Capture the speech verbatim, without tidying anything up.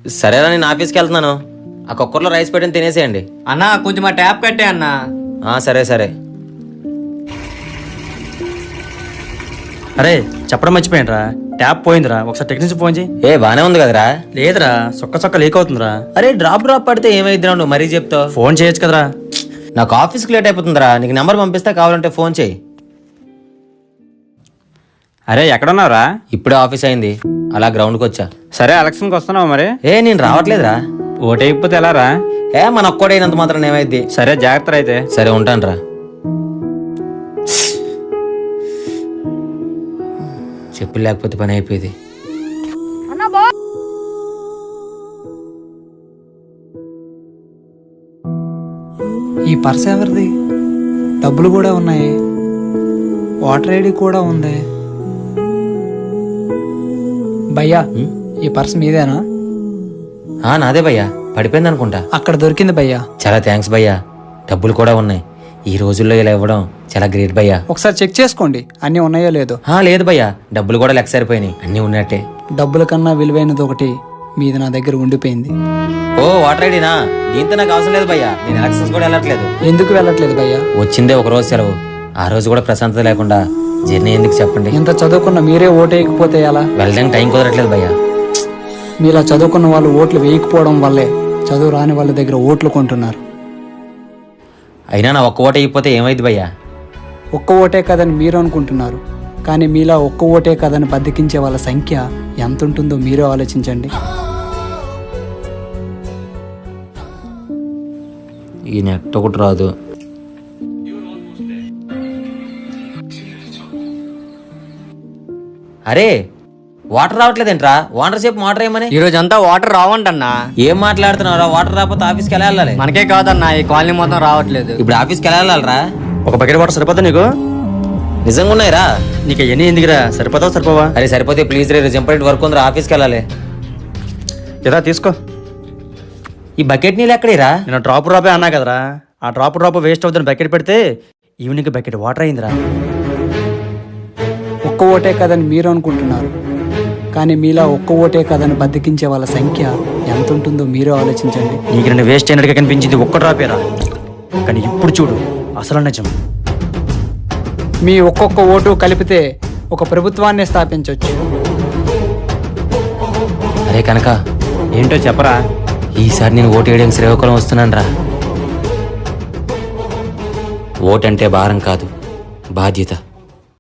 సరేరా, నేను ఆఫీస్కి వెళ్తున్నాను. ఆ కుక్కర్లో రైస్ పెట్టిన తినేసేయండి. అన్నా కొంచెం మా ట్యాప్ కట్టే అన్నా. సరే సరే. అరే చెప్పడం మర్చిపోయినరా, ట్యాప్ పోయిందిరా, ఒకసారి టెక్నీషియన్ ఫోన్ చేయి. ఏ బానే ఉంది కదరా? లేదురా, సొక్క సొక్క లీక్ అవుతుందిరా. అరే డ్రాప్ డ్రాప్ పడితే ఏమైద్దిరా, నువ్వు మరీ చెప్తావు. ఫోన్ చేయొచ్చు కదరా. నాకు ఆఫీస్కి లేట్ అయిపోతుందిరా, నీకు నెంబర్ పంపిస్తా, కావాలంటే ఫోన్ చేయి. అరే ఎక్కడున్నావురా? ఇప్పుడే ఆఫీస్ అయింది, అలా గ్రౌండ్కి వచ్చా. సరే ఎలక్షన్కి వస్తున్నావు మరి? ఏ నేను రావట్లేదురా. ఓటైపోతే ఎలా రా? ఏ మన ఒక్కడైనంత మాత్రం ఏమైద్ది. సరే జాగ్రత్త అయితే. సరే ఉంటాను రా. చెప్పులు లేకపోతే పని అయిపోయింది. ఈ పర్స్ ఎవరిది? డబ్బులు కూడా ఉన్నాయి, వాటర్ ఐడి కూడా ఉంది. భయ్యా ఈ పర్స్ మీదేనా? ఆ నాదే భయ్యా, పడిపోయింది అనుకుంటా. అక్కడ దొరికింది భయ్యా. చాలా థ్యాంక్స్ భయ్యా. డబ్బులు కూడా ఉన్నాయి. ఈ రోజుల్లో ఇలా ఇవ్వడం చాలా గ్రేట్ భయ్యా. ఒకసారి చెక్ చేసుకోండి అన్నీ ఉన్నాయో లేదో. లేదు భయ్యా, డబ్బులు కూడా లెక్క సరిపోయినాయి, అన్నీ ఉన్నట్టే. డబ్బుల కన్నా విలువైనది ఒకటి మీది నా దగ్గర ఉండిపోయింది. ఓ వాటర్ ఐడినా? దీంతో నాకు అవసరం లేదు భయ్యా, నేను ఎలక్షన్స్ కూడా వెళ్ళట్లేదు. ఎందుకు వెళ్ళట్లేదు భయ్యా? వచ్చిందే ఒక రోజు సెలవు, ఆ రోజు కూడా ప్రశాంతత లేకుండా జర్నీ ఎందుకు చెప్పండి. ఇంత చదువుకున్న మీరే ఓటు వేయకపోతే ఎలా? వెళ్ళడానికి టైం కుదరట్లేదు భయ్యా. మీలా చదువుకున్న వాళ్ళు ఓట్లు వేయకపోవడం వల్లే చదువు రాని వాళ్ళ దగ్గర ఓట్లు కొంటున్నారు. అయినా నా ఒక్క ఓటు అయిపోతే ఏమైంది భయ్యా? ఒక్క ఓటే కదని మీరు అనుకుంటున్నారు, కానీ మీలా ఒక్క ఓటే కదని బద్దకించే వాళ్ళ సంఖ్య ఎంత ఉంటుందో మీరే ఆలోచించండి. ఈ నెట్ ఒకటి రాదు. అరే వాటర్ రావట్లేదేంట్రా? వాటర్ సేపు వాటర్ ఏమని? ఈ రోజు అంతా వాటర్ రావంటన్నా. ఏం మాట్లాడుతున్నారా? వాటర్ రాకపోతే ఆఫీస్కి ఎలా వెళ్ళాలి? మనకే కాదన్నా, ఈ కాలనీ మొత్తం రావట్లేదు. ఇప్పుడు ఆఫీస్కి ఎలా వెళ్ళాలరా? ఒక బకెట్ వాటర్ సరిపోతా నీకు? నిజంగా ఉన్నాయిరా? నీకు ఎన్ని ఎందుకురా, సరిపోతావు సరిపోవా? అరే సరిపోతే ప్లీజ్ రే, ఇంపార్టెంట్ వర్క్ ఉందిరా, ఆఫీస్కి వెళ్ళాలి. ఇదా తీసుకో. ఈ బకెట్ నీళ్ళు ఎక్కడేరా? నేను డ్రాప్ డ్రాపే అన్నా కదరా, ఆ డ్రాప్ డ్రాప్ వేస్ట్ అవుతుంది. బకెట్ పెడితే ఈవినింగ్ బకెట్ వాటర్ అయిందిరా. ఒక్క ఓటే కదని మీరు అనుకుంటున్నారు, కానీ మీలా ఒక్క ఓటే కదని బద్దకించే వాళ్ళ సంఖ్య ఎంత ఉంటుందో మీరే ఆలోచించండి. నీకు నేను వేస్ట్ అయినట్టుగా కనిపించింది ఒక్క డ్రాపేరా, కానీ ఇప్పుడు చూడు అసలు నిజం. మీ ఒక్కొక్క ఓటు కలిపితే ఒక ప్రభుత్వాన్ని స్థాపించవచ్చు. అరే కనుక ఏంటో చెప్పరా? ఈసారి నేను ఓటు వేయడానికి శ్రీకాకుళం వస్తున్నాను రా. ఓటంటే భారం కాదు, బాధ్యత.